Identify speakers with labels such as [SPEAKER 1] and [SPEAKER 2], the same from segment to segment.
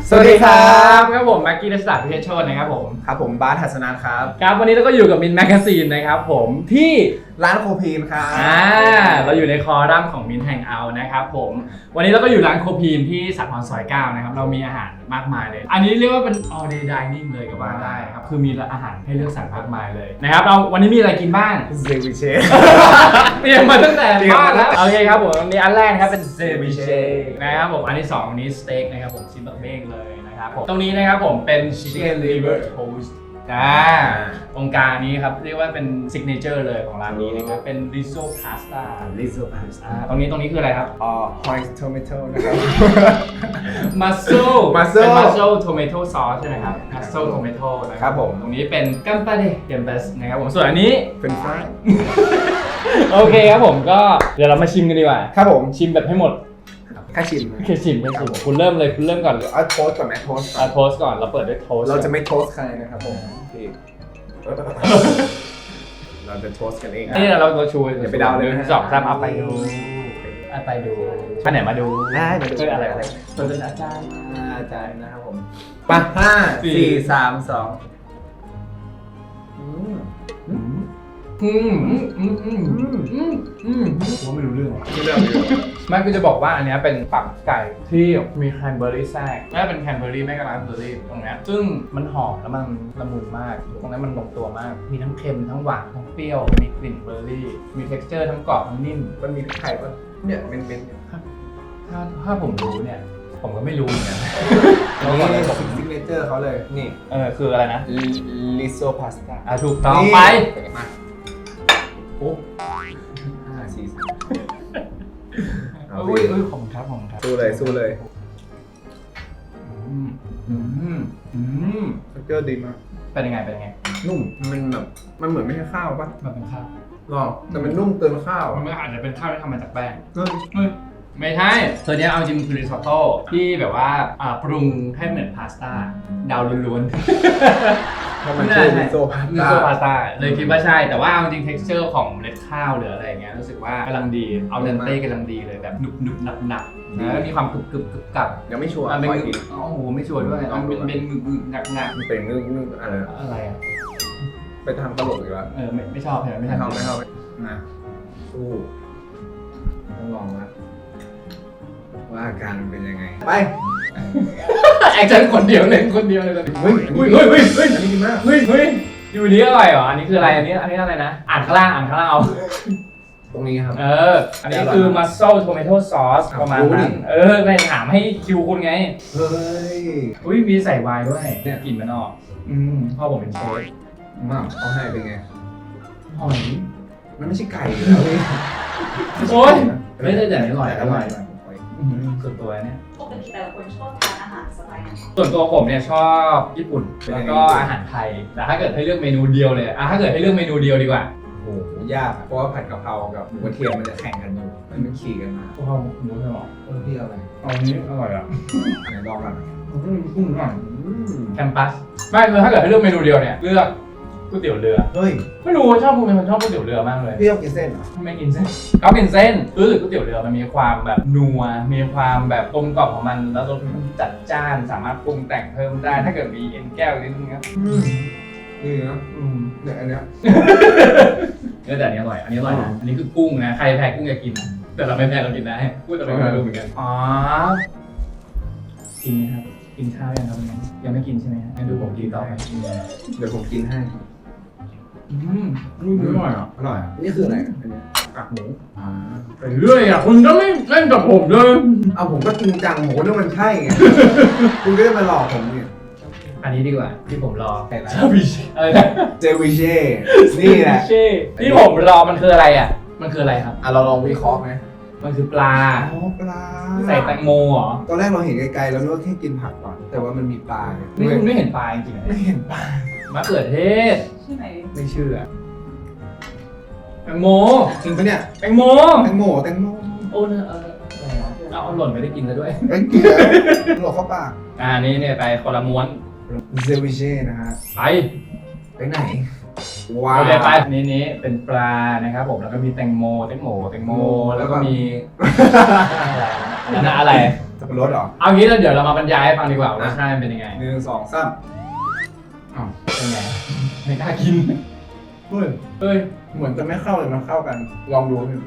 [SPEAKER 1] สวัสดีครับครับผมแม็กกี้รัชดาพิเชษโชตินะครับผม
[SPEAKER 2] ครับผมบาสหัสนันครับ
[SPEAKER 1] ครับวันนี้เราก็อยู่กับมินแมกกาซีนนะครับผมที่
[SPEAKER 2] ร้านโคพีนครับ
[SPEAKER 1] เราอยู่ในคอรัมของมินแฮงเอาท์นะครับผมวันนี้เราก็อยู่ร้านโคพีนที่สาทรซอย9นะครับเรามีอาหารมากมายเลยอันนี้เรียกว่าเป็น all day dining เลยก็ว่าได้ครับคือมีอาหารให้เลือกสรรมากมายเลยนะครับเราวันนี้มีอะไรกินบ้าง
[SPEAKER 2] เซวิเช
[SPEAKER 1] เตรียมมาตั้งแต่บ้านแล้วโอเคครับผมวันนี้อันแรกนะครับเป็นเซวิเชนะครับผมอันที่2วันนี้สเต็กนะครับผมชิ้นแบบเบ้งเลยนะครับผมตรงนี้นะครับผมเป็น chicken liver toast องค์การนี้ครับเรียกว่าเป็นซิกเนเจอร์เลยของร้านนี้นะครับเป็น risotto pasta ตรงนี้คืออะไรครับ
[SPEAKER 2] white tomato นะครับ
[SPEAKER 1] mussel เป็น mussel tomato sauce ใช่ไหมครับ mussel tomato นะครับผมตรงนี้เป็น gambale gambas นะครับผมส่วนอันนี้
[SPEAKER 2] เป็นฟราย
[SPEAKER 1] โอเคครับผมก็เดี๋ยวเรามาชิมกันดีกว่า
[SPEAKER 2] ครับผม
[SPEAKER 1] ชิมแบบให้หมด
[SPEAKER 2] แค่ชิม
[SPEAKER 1] คุณเริ่มเลยคุณเริ่มก่อน
[SPEAKER 2] เอาโทสก่อนไหมโทส
[SPEAKER 1] ก่อนเราเปิดด้วยโทส
[SPEAKER 2] เราจะไม่โทสใครนะครับผมเราจะโทสกันเอง
[SPEAKER 1] นี่เราชู
[SPEAKER 2] อย่าไปเดาเลย
[SPEAKER 1] 1 2 3เอาไปดูอันไหนมาดู
[SPEAKER 2] ได้มาดู
[SPEAKER 1] อะไร
[SPEAKER 2] เป็นอาจารย์นะครับผมป่ะ5 4 3 2
[SPEAKER 1] ว่าไม่รู้เรื่องไม่คือจะบอกว่าอันนี้เป็นตับไก่ที่มีแคนเบอร์รี่แทรกน่าเป็นแคนเบอร์รี่ไม่ก็ราสเบอร์รี่ตรงนี้ซึ่งมันหอมแล้วมันละมุนมากตรงนั้นมันลงตัวมากมีทั้งเค็มทั้งหวานทั้งเปรี้ยวมีกลิ่นเบอร์รี่มี texture ทั้งกรอบทั้งนิ่ม
[SPEAKER 2] มันมีไข่ป่ะเนี่ยเม้น
[SPEAKER 1] ถ้าผมรู้เนี่ยผมก็ไม่รู้เหมือนกัน
[SPEAKER 2] นี่ซิกเนเจอร์เขาเลยนี่
[SPEAKER 1] คืออะไรนะ
[SPEAKER 2] risotto pasta
[SPEAKER 1] ถูกต้องไปโอ้
[SPEAKER 2] 5 4 3
[SPEAKER 1] ของครับ
[SPEAKER 2] สู้เลยสเกอร์ดีมาก
[SPEAKER 1] เป็นยังไง
[SPEAKER 2] นุ่มมันแบบมันเหมือนไม่ใช่ข้าวป่ะ
[SPEAKER 1] มันเป็นข้าว
[SPEAKER 2] หรอแต่มันนุ่มเกินข้าว
[SPEAKER 1] มันอาจจะเป็นข้าวที่ทำมาจากแป้งไม่ใช่เธอเนี้ยเอาจริงคือริซอตโต้ที่แบบว่าปรุงให้เหมือนพาสต้าดาวล้วน
[SPEAKER 2] ๆมันคือริโซ
[SPEAKER 1] พาสต้าเลยคิดว่าใช่แต่ว่าเอาจริง texture ของเมล็ดข้าวหรืออะไรเงี้ยรู้สึกว่ากำลังดีเอาเดนเต้กำลังดีเลยแบบหนุบหนักแล้วมีความกรึบกับ
[SPEAKER 2] ยังไม่ชัวร์
[SPEAKER 1] เป็นโอ้โหไม่ชัวร์ด้วยเป็นหนัก
[SPEAKER 2] เป็นงึก
[SPEAKER 1] อะไร
[SPEAKER 2] ไปทำตลกอีกแล้ว
[SPEAKER 1] ไม่ชอบไม่ชอบ
[SPEAKER 2] นะสู้ต้องลองนะว่าอาการมันเป็นยังไงไป
[SPEAKER 1] แอคชั่นคนเดียวเลยเฮ้ย
[SPEAKER 2] อันนี้ดีมาก
[SPEAKER 1] เฮ้ยอยู่นี้อร่อยเหรออันนี้คืออะไรอันนี้อะไรนะอ่านข้างล่างเอา
[SPEAKER 2] ตรงนี้ครับ
[SPEAKER 1] อันนี้คือ mussel tomato sauce ประมาณนั้นไม่ถามให้คิวคุณไง
[SPEAKER 2] เฮ้ย
[SPEAKER 1] มีใส่ไวน์ด้วยเนี่ยกลิ่นมันออกพ่อผมเป็นเชฟ
[SPEAKER 2] เขาให้เป็นไง
[SPEAKER 1] หอย
[SPEAKER 2] มันไม่ใช่ไก่แล้ว
[SPEAKER 1] โอ๊ยไม่ได้แต่อร่อยส่วนตัวเนี่ย
[SPEAKER 3] ปกติแต่ละคนชอบทานอาหารสไตล์ไหน
[SPEAKER 1] ส่วนตัวผมเนี่ยชอบญี่ปุ่นแล้วก็อาหารไทยแต่ถ้าเกิดให้เลือกเมนูเดียวเลยถ้าเกิดให้เลือกเมนูเดียวดีกว่า
[SPEAKER 2] โอ้ยากเพราะว่าผัดกะเพรากับหมูกระเทียมมันจะแข่งกันอยู่มันขี่กันมากะ
[SPEAKER 1] เพราหมูใช่หรอ
[SPEAKER 2] พี่อะไร
[SPEAKER 1] อันนี้อร่อยอ่ะ
[SPEAKER 2] ไหนลองกัน
[SPEAKER 1] แคมปัสไม่คือถ้าเกิดให้เลือกเมนูเดียวเนี่ยเลือกก๋วยเตี๋ยวเรือ
[SPEAKER 2] เฮ้ย
[SPEAKER 1] ไม่รู้ชอบเป็นคนชอบก๋วยเตี๋ยวเรือมากเลย
[SPEAKER 2] พี่ชอบกินเส้นเหรอ
[SPEAKER 1] ไม่กินเส้นเขากินเส้นรู้สึกก๋วยเตี๋ยวเรือมันมีความแบบนัวมีความแบบกลมกล่อมของมันแล้วรสมันจัดจ้านสามารถปรุงแต่งเพิ่มได้ถ้าเกิดมีเอ็นแก้วนิดนึงครับ
[SPEAKER 2] นี่นะเนี่ยอันเนี้ย
[SPEAKER 1] แต่อันนี้อร่อยนะอันนี้คือกุ้งนะใครแพ้กุ้งจะกินแต่เราไม่แพ้เรากินได้พูดแต่เราไม่รู้เหมือนกันกินไหมครับกินข้าวยังครับยังไม่กินใช่ไหมงั้นดูผมกินต่อไป
[SPEAKER 2] เดี๋ยวผมกินให้
[SPEAKER 1] อร่อย
[SPEAKER 2] นี่คืออะไรอันนี้
[SPEAKER 1] กากหมูไปเรื่อยคุณก็ไม่เล่นกับผมเลย
[SPEAKER 2] เอาผมก็จริงจังผมก็นึกมันใช่ไงคุณก็จะมาหลอกผมเนี่ย
[SPEAKER 1] อันนี้ดีกว่าที่ผมรอ
[SPEAKER 2] เจวิเช่นี่แหละ
[SPEAKER 1] ที่ผมรอมันคืออะไรมันคืออะไรครับ
[SPEAKER 2] เราลองวิเคราะห์ไหม
[SPEAKER 1] มันคือปลา
[SPEAKER 2] ปลา
[SPEAKER 1] ใส่แตงโมเหรอ
[SPEAKER 2] ตอนแรกเราเห็นไกลๆเราคิดว่าแค่กินผักก่อนแต่ว่ามันมีปลา
[SPEAKER 1] นี่คุณไม่เห็นปลาจริง
[SPEAKER 2] ๆไม่เห็นปลาม
[SPEAKER 1] ะเขือเทศ
[SPEAKER 3] ชื่อไหน
[SPEAKER 1] ไม่เชื่อแตงโม
[SPEAKER 2] จริงปะเนี่ย
[SPEAKER 1] แตงโมโอ้เนี่ยเอาหล่นไม่ได้กินซะด้วย
[SPEAKER 2] กินหลอกเข้าปาก
[SPEAKER 1] นี่เนี่ยไปคนละม้วน
[SPEAKER 2] เซวิเช่นะฮะไปไหน
[SPEAKER 1] ว้าวไปนี้เป็นปลานะครับผมแล้วก็มีแตงโมแล้วก็มีอะไร
[SPEAKER 2] สับปะรดเหรอ
[SPEAKER 1] เอางี้แล้วเดี๋ยวเรามาบรรยายให้ฟังดีกว่ารสชาติมันเป็นยังไง
[SPEAKER 2] 1 2 3อ้าว
[SPEAKER 1] เป็นไงไม่กล้ากิน
[SPEAKER 2] เฮ้ย
[SPEAKER 1] เอ้ย
[SPEAKER 2] เหมือนจะไม่เข้าเลยมันเข้ากัน ลองดูพี่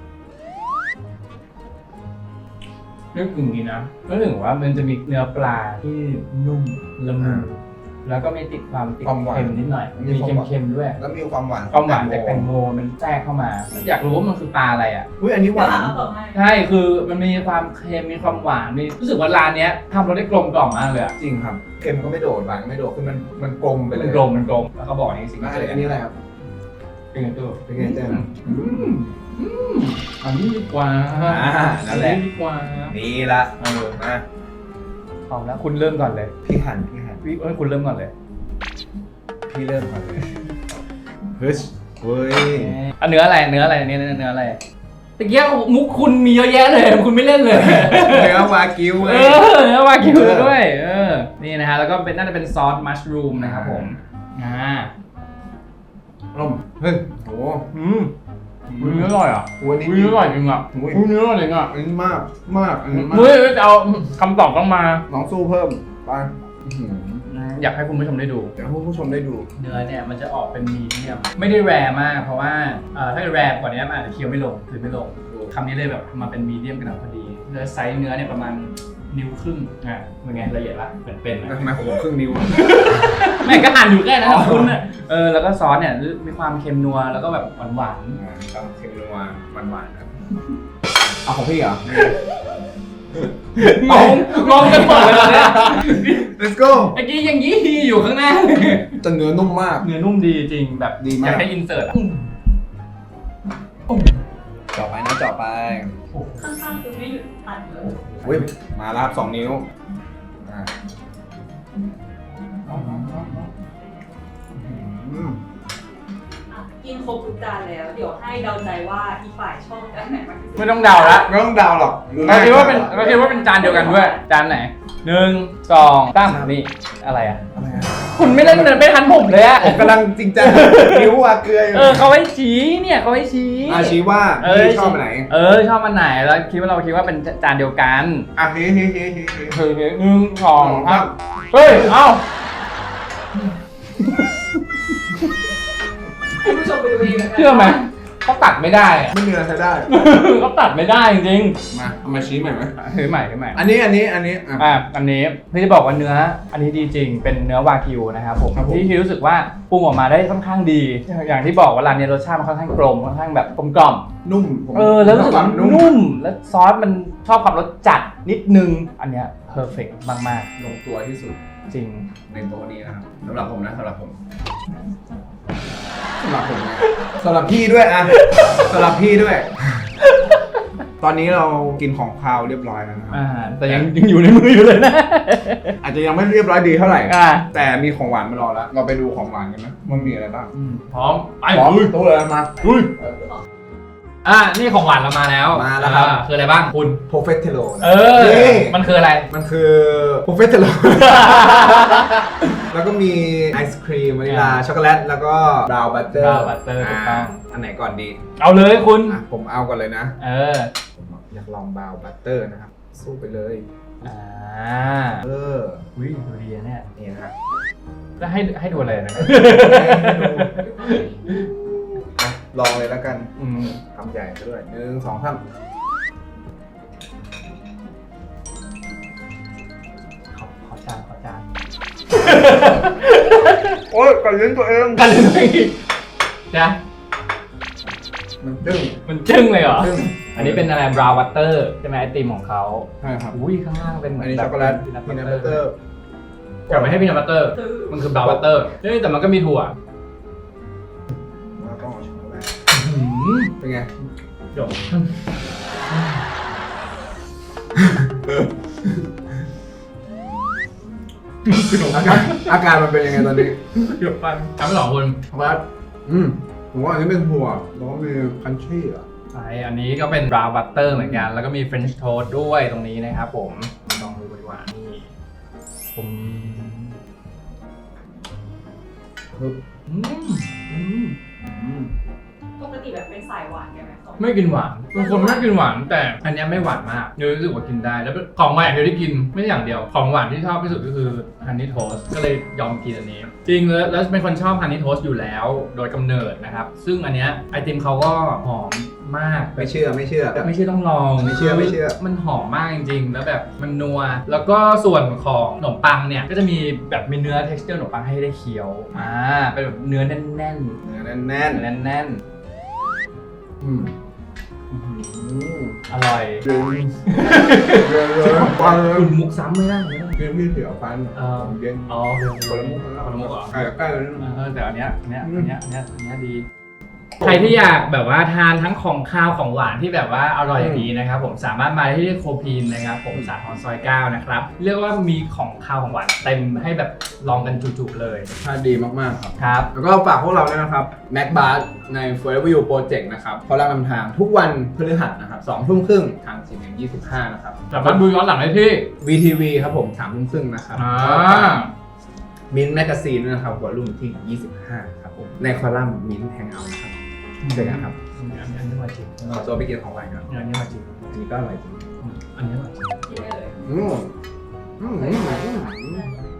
[SPEAKER 1] นึกถึงนี้นะนึกถึงว่ามันจะมีเนื้อปลาที่นุ่มละมุนแล้วก็มีติดความติดเค็มนิดหน่อยมีเค็มๆด้วย
[SPEAKER 2] แล้วมีความหวาน
[SPEAKER 1] ความหวานจากแตงโมมันแทรกเข้ามา อยากรู้ว่ามันคือปลาอะไรอ่ะ
[SPEAKER 2] อุ้ยอันนี้ห
[SPEAKER 3] เดี๋ยว
[SPEAKER 2] วาน
[SPEAKER 3] เอาต่อให้
[SPEAKER 1] ใช่คือมันมีความเค็มมีความหวานมีรู้สึกว่าร้านเนี้ยทำรสได้กลมกล่อมมากเลยอะ
[SPEAKER 2] จริงครับ เค็มก็ไม่โดดหวานก็ไม่โดดคือมันกลมไปเลย
[SPEAKER 1] มันกลมแล้วเขาบอกนี่สิ่ง
[SPEAKER 2] แล้วอันนี้อะไรครับ
[SPEAKER 1] เป็นไงตัว
[SPEAKER 2] เป็นไงเจ๊นะ
[SPEAKER 1] อันนี้ดีกว่า
[SPEAKER 2] นั่นแหละ
[SPEAKER 1] อัดีกว่า
[SPEAKER 2] นี่ละมา
[SPEAKER 1] พร้อมแล้วคุณเริ่มก่อนเลย
[SPEAKER 2] พี่หัน
[SPEAKER 1] พี่คุณเริ่มก่อนเลย
[SPEAKER 2] พี่เริ่มก่อนเลยเฮ้ยเว้ย
[SPEAKER 1] อันเนื้ออะไรเนื้ออะไรนี่เนื้ออะไรตะเกียบมุกคุณมีเยอะแยะเลยคุณไม่เล่นเลย
[SPEAKER 2] เนื้อวากิว
[SPEAKER 1] เออเนื้อวากิวด้วยนี่นะฮะแล้วก็เป็นน่าจะเป็นซอสมัชรูมนะครับผม
[SPEAKER 2] ร่มเฮ้ยโห
[SPEAKER 1] เนื้ออร่อยอ่ะ
[SPEAKER 2] วันนี้
[SPEAKER 1] เนื้ออร่อยจริงอ่ะเนื้ออร่อยจริงอ่ะ
[SPEAKER 2] อันนี้มากอันนี้มาก
[SPEAKER 1] เฮ้ยจะเอาคำตอบต้องมา
[SPEAKER 2] น้องสู้เพิ่มไป
[SPEAKER 1] อยากให้คุณผู้ชมได้ดู
[SPEAKER 2] เดี๋ยวให้ผู้ชมได้ดู
[SPEAKER 1] เนื้อเนี่ยมันจะออกเป็นมีเดียมไม่ได้แรร์มากเพราะว่าถ้าแรร์กว่านี้มันอาจจะเคี้ยวไม่ลงถือไม่ลงคำนี้เลยแบบมาเป็นมีเดียมกำลังพอดีเนื้อไซส์เนื้อเนี่ยประมาณนิ้วครึ่งเป็นไงละเอียดละเป็น
[SPEAKER 2] แล้วทำไมผมครึ่งนิ้ว
[SPEAKER 1] แม่ก็อ่านอยู่แค่นั้นคุณแล้วก็ซอสเนี่ยมีความเค็มนัวแล้วก็แบบหวาน
[SPEAKER 2] ครับเค็มนัวหวานครับเอาของพี่เหรอ
[SPEAKER 1] งงกันหมดเลยเนี่ย
[SPEAKER 2] let's go
[SPEAKER 1] เมื่อกี้ยังยี่อยู่ข้างหน้า
[SPEAKER 2] จะเนื้อนุ่มมาก
[SPEAKER 1] เนื้อนุ่มดีจริงแบบ
[SPEAKER 2] ดีมาก
[SPEAKER 1] อยากให้อินเสิร์ตอ่ะ
[SPEAKER 2] เจาะไปนะเจาะไป
[SPEAKER 3] ข้างๆคือไม่หยุดตัดเลย
[SPEAKER 2] อุ้ยมาแล้วครับ2 นิ้วอ่า
[SPEAKER 3] กินครบทุกจานแล้ว เดี๋ยวให้เดาใจว่าอีกฝ่ายชอบจานไหนมากที่สุด
[SPEAKER 1] ไม่ต้องเดาละ
[SPEAKER 2] ไม่ต้องเดาหรอก
[SPEAKER 1] เราคิดว่าเป็นจานเดียวกันด้วยจานไหน1 2 3นี่อะไรอ่ะ
[SPEAKER 2] อะไรอะ
[SPEAKER 1] คุณไม่เล่นไม่ทันผมเลยอ่ะ
[SPEAKER 2] ผมกำลังจริงจังนิ้วอะเกลืออยู่
[SPEAKER 1] เขาไว้ชี้เนี่ยเขาไว้ชี้
[SPEAKER 2] ชี้ว่าพี่ชอบอันไหน
[SPEAKER 1] ชอบอันไหนแล้วเราคิดว่าเป็นจานเดียวกัน
[SPEAKER 2] อ่ะเฮ้
[SPEAKER 1] คือ1 2 3เฮ้ยเอ้า
[SPEAKER 3] คุณผู้ชมไปดูเองนะคะ
[SPEAKER 1] เชื่อไหมเขาตัดไม่ได้อะ
[SPEAKER 2] ไม่มีอะไรใช้ได้
[SPEAKER 1] เขาตัดไม่ได้จริง
[SPEAKER 2] มาเอามาชี้ใหม่ไหม
[SPEAKER 1] ๆถือใหม่
[SPEAKER 2] อันนี้อ่ะ
[SPEAKER 1] อันนี้พี่จะบอกว่าเนื้ออันนี้ดีจริงเป็นเนื้อวากิวนะครับผม
[SPEAKER 2] ครับผม
[SPEAKER 1] ที่รู้สึกว่าปรุงออกมาได้ค่อนข้างดี อย่างที่บอกว่าร้านนี้รสชาติมันค่อนข้างกลมค่อนข้างแบบกลมกล่อม
[SPEAKER 2] นุ่มผม
[SPEAKER 1] แล้วรู้สึกว่า
[SPEAKER 2] นุ่ม
[SPEAKER 1] นุ่มแล้วซอสมันชอบความรสจัดนิดนึงอันเนี้ยเพอร์เฟกต์มาก
[SPEAKER 2] ลงตัวที่สุด
[SPEAKER 1] ๆ จริง
[SPEAKER 2] ในโต๊ะนี้นะครับสำหรับผมนะสำหรับผมนะสำหรับพี่ด้วยอะสำหรับพี่ด้วย ตอนนี้เรากินของคาวเรียบร้อยแล้วนะครับ
[SPEAKER 1] แต่ยังอยู่ในมืออยู่เลยนะ
[SPEAKER 2] อาจจะยังไม่เรียบร้อยดีเท่าไหร่
[SPEAKER 1] อ่า
[SPEAKER 2] แต่มีของหวานมารอแล้ว เราไปดูของหวานกันนะมันมีอะไรบ้าง
[SPEAKER 1] พร้อมไป
[SPEAKER 2] พร้อมตู้เลยมา
[SPEAKER 1] ลุยนี่ของหวานเรามาแล้ว
[SPEAKER 2] มาแล้วครับ
[SPEAKER 1] คืออะไรบ้างคุณ
[SPEAKER 2] โปรเฟสเทโล
[SPEAKER 1] นี่มันคืออะไร
[SPEAKER 2] มันคือโปรเฟสเทโล แล้วก็มีไอศครีมวานิลาช็อกโกแลตแล้วก็บราวน์บัตเตอร์
[SPEAKER 1] brown butter ถูกต้อง
[SPEAKER 2] อันไหนก่อนดี
[SPEAKER 1] เอาเลยคุณ
[SPEAKER 2] ผมเอาก่อนเลยนะ ผมอยากลองบราวน์บัตเตอร์นะครับ สู้ไปเลย
[SPEAKER 1] อุ้ยดูดีนะเนี่ย
[SPEAKER 2] นี่นะครับ
[SPEAKER 1] แล้วให้ดูอะไรนะ
[SPEAKER 2] ลองเลยแล้วกันทำใหญ่ซะด้วย1 2 3
[SPEAKER 1] ขอจาน
[SPEAKER 2] โอ้ยกัดลิ้นตัวเอง
[SPEAKER 1] กันเลยนะ
[SPEAKER 2] มันดึง
[SPEAKER 1] มันจึ้งเลยเหรอ
[SPEAKER 2] จึ้ง
[SPEAKER 1] อันนี้เป็นอะไร brown butter ใช่ไหมไอติมของเขา
[SPEAKER 2] ใช่ครับ
[SPEAKER 1] อุ้ยข้างล่างเป็นเหมื
[SPEAKER 2] อั
[SPEAKER 1] อน น
[SPEAKER 2] นี้ช็อกโกแลตพีนัทบัตเตอร์
[SPEAKER 1] กลับไปให้พีนัทบัตเตอร์ มันคือ brown butter นี่แต่มันก็มีถั่ว
[SPEAKER 2] แล้วก็ช็อกโกแลตเป็นไง
[SPEAKER 1] จบ
[SPEAKER 2] อาการมันเป็นยังไงตอนนี้
[SPEAKER 1] จบปันทำให้สองคน
[SPEAKER 2] ว่าผมว่าอันนี้เป็นถั่วแล้วก็มีคันชี่อ่ะ
[SPEAKER 1] ใช่อันนี้ก็เป็น brown butter เหมือนกัน แล้วก็มี French toast ด้วยตรงนี้นะครับผมลองดูดีกว่านี่ผม
[SPEAKER 2] ปึ๊บ
[SPEAKER 1] อืม
[SPEAKER 3] ปกติแบบเป็นสายหวานกันไหมสอง
[SPEAKER 1] ไม่กินหวานบางคนไม่กินหวานแต่อันเนี้ยไม่หวานมากเนยรู้สึกว่ากินได้แล้วของหวานอย่างเดียวที่กินไม่ใช่อย่างเดียวของหวานที่ชอบที่สุดก็คือฮันนี่โทสก็เลยยอมกินอันนี้จริงแล้วเป็นคนชอบฮันนี่โทสอยู่แล้วโดยกำเนิดนะครับซึ่งอันเนี้ยไอติมเขาก็หอมมาก
[SPEAKER 2] ไม่เชื่อ
[SPEAKER 1] ไม่เชื่อต้องลอง
[SPEAKER 2] ไม่เชื่อ
[SPEAKER 1] มันหอมมากจริงๆแล้วแบบมันนัวแล้วก็ส่วนของขนมปังเนี่ยก็จะมีแบบมีเนื้อ texture ขนมปังให้ได้เคี้ยวเป็นแบบเนื้อแน่นๆ
[SPEAKER 2] เนื้อแน่น
[SPEAKER 1] แน่น
[SPEAKER 2] ๆอืม
[SPEAKER 1] ๆอร่อย
[SPEAKER 2] เรือฟันเลย
[SPEAKER 1] คุณมุกซ้ำไม่ได้เลย
[SPEAKER 2] เรื่องพี่เสียวฟันเย็น
[SPEAKER 1] อ๋อ
[SPEAKER 2] คนละมุก
[SPEAKER 1] คนละมุกเหรอ
[SPEAKER 2] ใกล้เลยนะ
[SPEAKER 1] แต่อันเนี้ยดี ใครที่อยากแบบว่าทานทั้งของข้าวของหวานที่แบบว่าอร่อยอย่างนี้นะครับผมสามารถมาที่โคพีนนะครับผมสาทรซอย 9 นะครับเรียกว่ามีของข้าวของหวานเต็มให้แบบลองกันจุๆเลย
[SPEAKER 2] ชาติดีมากๆครับ
[SPEAKER 1] ครับ
[SPEAKER 2] แล้วก็ฝากพวกเราด้วยนะครับ Mac Bar ใน Forever You Project นะครับเขาลังนำทางทุกวันพฤหัสนะครับ2 ทุ่มครึ่งทาง4:25นะครับ
[SPEAKER 1] สามารถดูย้อนหลังได้ที่
[SPEAKER 2] VTV ครับผม3 ทุ่มครึ่งนะครับ มินแมกกาซีนด้วยนะครับหัวรุ่มที่ 25 ครับผมในคอลัมน์มินแฮงเอาท์นะครับเจอกันครับ
[SPEAKER 1] อันนี้มาจริง
[SPEAKER 2] ขอตัวไปกินของหวานกัน
[SPEAKER 1] อันนี้มาจริง
[SPEAKER 2] อันนี้ก็อร่อยจริง
[SPEAKER 1] อันนี้มาจริง
[SPEAKER 3] กินได้เลย
[SPEAKER 2] อืม